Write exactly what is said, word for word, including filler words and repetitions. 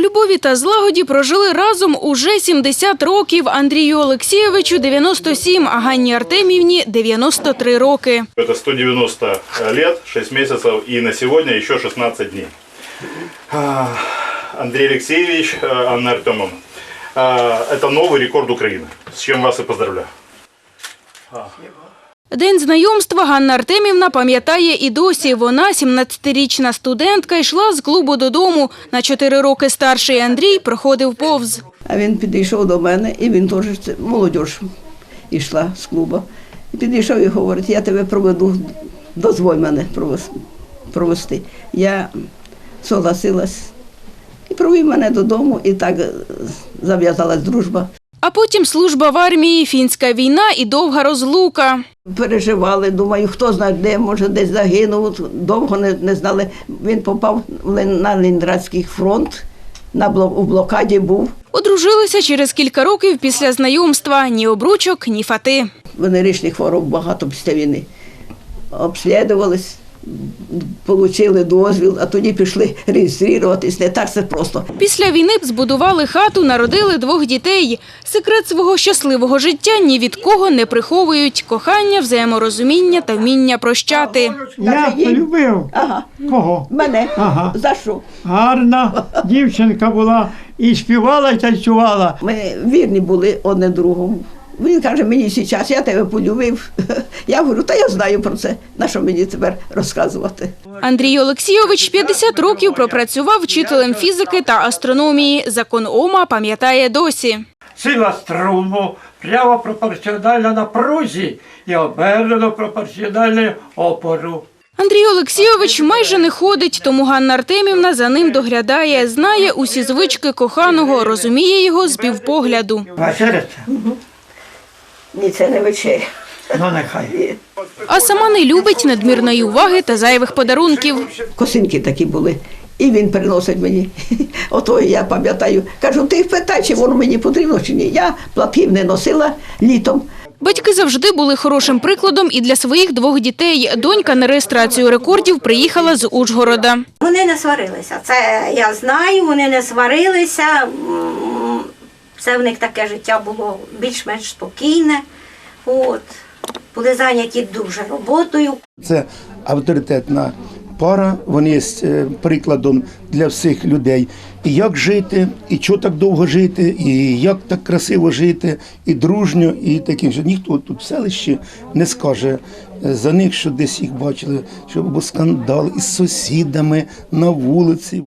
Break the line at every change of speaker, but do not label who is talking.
У любові та злагоді прожили разом уже сімдесят років. Андрію Олексійовичу – дев'яносто сім, а Ганні Артемівні – дев'яносто три роки.
Это сто девяносто лет, шесть месяцев и на сегодня еще шестнадцать дней. Андрей Алексеевич, Анна Артемовна, это новый рекорд Украины, с чем вас и поздравляю.
День знайомства Ганна Артемівна пам'ятає і досі. Вона, сімнадцятирічна студентка, йшла з клубу додому. На чотири роки старший Андрій проходив повз.
А він підійшов до мене, і він теж, це молодь йшла з клубу. І підійшов і говорить, я тебе проведу, дозволь мене провести. Я согласилась і провів мене додому, і так зав'язалась дружба.
А потім служба в армії, фінська війна і довга розлука.
Переживали, думаю, хто знає де, може десь загинув, довго не, не знали. Він попав на Ленінградський фронт, на блок, у блокаді був.
Одружилися через кілька років після знайомства. Ні обручок, ні фати.
Венеричних хвороб багато після війни. Обслідувались, отримали дозвіл, а тоді пішли реєструватись. Не так це просто.
Після війни збудували хату, народили двох дітей. Секрет свого щасливого життя ні від кого не приховують. Кохання, взаєморозуміння та вміння прощати.
Я полюбив.
Ага.
Кого?
Мене.
Ага.
За що?
Гарна дівчинка була і співала, і танцювала.
Ми вірні були одне другому. Він каже, мені зараз, я тебе полюбив. Я говорю, та я знаю про це, на що мені тепер розказувати.
Андрій Олексійович п'ятдесят років пропрацював вчителем фізики та астрономії. Закон Ома пам'ятає досі.
Сила струму прямо пропорціональна напрузі і обернено пропорціональна опору.
Андрій Олексійович майже не ходить, тому Ганна Артемівна за ним доглядає. Знає усі звички коханого, розуміє його з півпогляду.
Вечеряться?
Ні, це не вечеря.
Ну, нехай.
А сама не любить надмірної уваги та зайвих подарунків.
Косинки такі були. І він приносить мені. Ото я пам'ятаю. Кажу, ти питай, чи воно мені потрібно, чи ні. Я платків не носила літом.
Батьки завжди були хорошим прикладом і для своїх двох дітей. Донька на реєстрацію рекордів приїхала з Ужгорода.
Вони не сварилися. Це я знаю, вони не сварилися. Це в них таке життя було більш-менш спокійне. От. Були зайняті дуже роботою.
Це авторитетна пара, вони є прикладом для всіх людей. І як жити, і чого так довго жити, і як так красиво жити, і дружньо, і таким, що ніхто тут в селищі не скаже за них, що десь їх бачили, що був скандал із сусідами на вулиці.